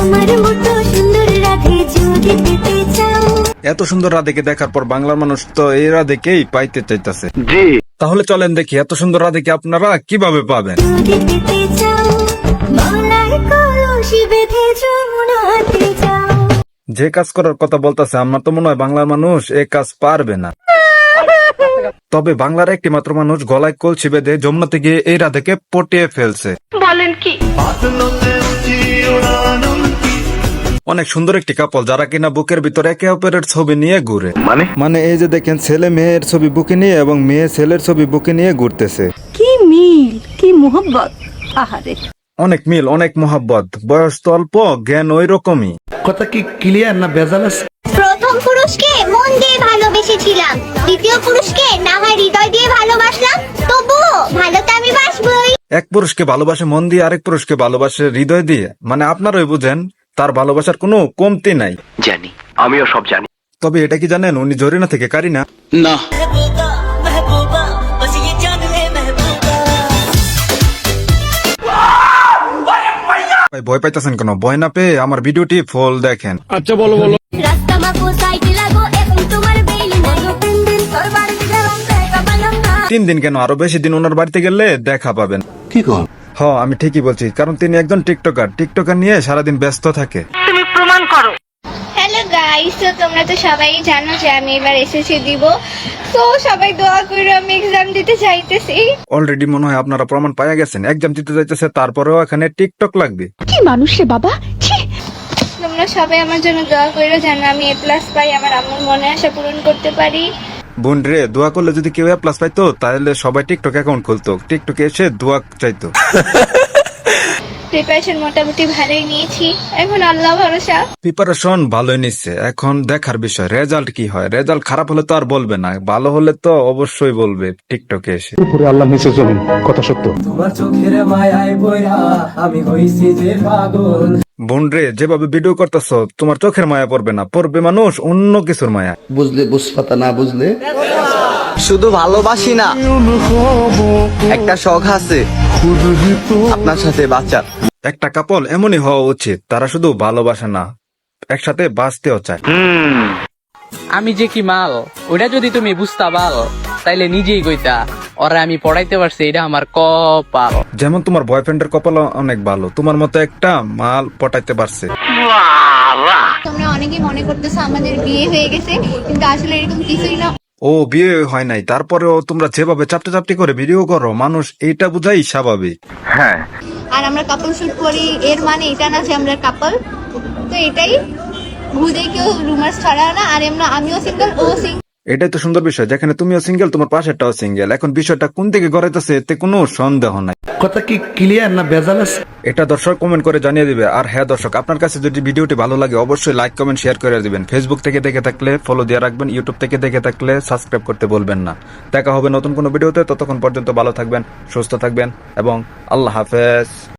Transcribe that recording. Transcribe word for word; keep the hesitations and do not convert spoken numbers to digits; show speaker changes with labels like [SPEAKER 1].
[SPEAKER 1] এত সুন্দর রাধেকে দেখার পর বাংলার মানুষ তো এই রাধেকেই পাইতে চাইতেছে। তাহলে চলেন দেখি এত সুন্দর রাধেকে আপনারা কিভাবে পাবেন। যে কাজ করার কথা বলতেছে আমার তো মনে হয় বাংলার মানুষ এই কাজ পারবে না। তবে বাংলার একটি মাত্র মানুষ গলায় কলসি বেঁধে যমুনাতে গিয়ে এই রাধেকে পটিয়ে ফেলছে।
[SPEAKER 2] বলেন কি?
[SPEAKER 1] অনেক সুন্দর একটি কাপল যারা কিনা বুকের ভিতরে একে অপরের ছবি নিয়ে ঘুরে।
[SPEAKER 3] মানে
[SPEAKER 1] মানে এই যে দেখেন ছেলে মেয়ের ছবি বুকে নিয়ে এবং মেয়ে ছেলের ছবি বুকে নিয়ে ঘুরতেছে।
[SPEAKER 2] কি মিল, কি মোহব্বত! আহারে,
[SPEAKER 1] অনেক মিল, অনেক মোহাব্বত। বয়স তো অল্প, জ্ঞান ওই রকমই।
[SPEAKER 4] কথা কি ক্লিয়ার না ভেজাল আছে?
[SPEAKER 5] প্রথম পুরুষকে মন দিয়ে ভালোবেসেছিলাম, দ্বিতীয় পুরুষকে না হয় হৃদয় দিয়ে ভালোবাসলাম, তবুও ভালো তো আমি বাসবই।
[SPEAKER 1] এক পুরুষকে ভালোবাসে মন দিয়ে, আরেক পুরুষকে ভালোবাসে হৃদয় দিয়ে। মানে আপনারাই বুঝেন তার ভালোবাসার কোনো কমতি নাই।
[SPEAKER 3] জানি, আমিও সব জানি।
[SPEAKER 1] তবে এটা কি জানেন উনি জরিনা থেকে কারিনা?
[SPEAKER 3] না।
[SPEAKER 1] ভয় পাইতেছেন কেন? ভয় না পেয়ে আমার ভিডিওটি ফুল দেখেন।
[SPEAKER 3] আচ্ছা বলো বলো।
[SPEAKER 1] তিন দিন কেন, আরো বেশি দিন ওনার বাড়িতে গেলে দেখা পাবেন।
[SPEAKER 4] কি কর?
[SPEAKER 1] হ, আমি ঠিকই বলছি, কারণ তিনি একজন টিকটকার। টিকটকার নিয়ে সারাদিন ব্যস্ত থাকে।
[SPEAKER 2] তুমি প্রমাণ করো।
[SPEAKER 5] হ্যালো গাইস, তো তোমরা তো সবাই জানো যে আমি এবার এসএসসি দিব, তো সবাই দোয়া করে আমি এক্সাম দিতে চাইতেছি।
[SPEAKER 1] অলরেডি মনে হয় আপনারা প্রমাণ পাইয়া গেছেন, এক্সাম দিতে যাইতেছে তারপরেও এখানে টিকটক লাগবে।
[SPEAKER 2] কি মানুষ রে বাবা! ছি!
[SPEAKER 5] তোমরা সবাই আমার জন্য দোয়া করে যেন আমি এ প্লাস পাই, আমার আম্মুর মনে আশা পূরণ করতে পারি।
[SPEAKER 1] বোন রে, দোয়া করলে যদি কেউ এ প্লাস পাইতো তাহলে সবাই টিকটক অ্যাকাউন্ট খুলতো, টিকটকে এসে দোয়া চাইতো।
[SPEAKER 5] প্রিপারেশন মোটামুটি ভালোই নিয়েছি, এখন আল্লাহ ভরসা।
[SPEAKER 1] প্রিপারেশন ভালোই নিচ্ছে, এখন দেখার বিষয় রেজাল্ট কি হয়। রেজাল্ট খারাপ হলে তো আর বলবে না, ভালো হলে তো অবশ্যই বলবে টিকটকে এসে।
[SPEAKER 4] উপরে আল্লাহ নিচে জমিন, কথা সত্য।
[SPEAKER 6] তোমার চোখের মায়ায় পড়া আমি হইছি যে পাগল।
[SPEAKER 1] বোন রে, যেভাবে ভিডিও করতেছ তোমার চোখের মায়া পড়বে না, পড়বে মানুষ অন্য কিছুর মায়া।
[SPEAKER 4] বুঝলে বুঝপাতা, না বুঝলে
[SPEAKER 7] শুধু ভালোবাসি না, একটা শখ আছে আপনার সাথে বাঁচা।
[SPEAKER 1] একটা কাপল এমনই হওয়া উচিত, তারা শুধু ভালোবাসে না, একসাথে বাঁচতেও চায়।
[SPEAKER 8] আমি যে কি মাল, ওটা যদি তুমি বুঝতা পাল তাইলে নিজেই কইতা ওরা আমি পড়াইতে পারছি, এটা আমার কপাল।
[SPEAKER 1] যেমন তোমার বয়ফ্রেন্ডের কপাল অনেক ভালো, তোমার মতো একটা মাল পটাইতে পারছে।
[SPEAKER 5] তোমরা অনেকেই মনে করতেছো আমাদের বিয়ে হয়ে গেছে, কিন্তু আসলে এরকম কিছুই না।
[SPEAKER 1] ও বিয়ে হয় নাই, তারপরেও তোমরা যেভাবে চাপটা চাপটি করে ভিডিও করো, মানুষ এইটা বুঝাই স্বাভাবিক।
[SPEAKER 3] হ্যাঁ,
[SPEAKER 5] আর আমরা কাপল শুট করি, এর মানে এটা না যে আমরা কাপল। তো এটাই, ভুদে কেউ রুমার্স ছড়ায় না। আর এমন আমিও সিঙ্গেল, ও সিঙ্গেল।
[SPEAKER 1] এটাই তো সুন্দর বিষয়, যেখানে তুমিও সিঙ্গেল, তোমার পাশেরটাও সিঙ্গেল। এখন বিষয়টা কোন দিকে গড়াইতেছে এতে কোনো সন্দেহ নাই।
[SPEAKER 4] কথা কি ক্লিয়ার না ভেজাল আছে?
[SPEAKER 1] এটা দর্শক কমেন্ট করে জানিয়ে দিবে। আর হ্যাঁ দর্শক, আপনার কাছে যদি ভিডিওটি ভালো লাগে অবশ্যই লাইক কমেন্ট শেয়ার করে দিবেন। ফেসবুক থেকে দেখে থাকলে ফলো দিয়ে রাখবেন, ইউটিউব থেকে দেখে থাকলে সাবস্ক্রাইব করতে বলবেন না। দেখা হবে নতুন কোনো ভিডিওতে, ততক্ষণ পর্যন্ত ভালো থাকবেন, সুস্থ থাকবেন এবং আল্লাহ হাফেজ।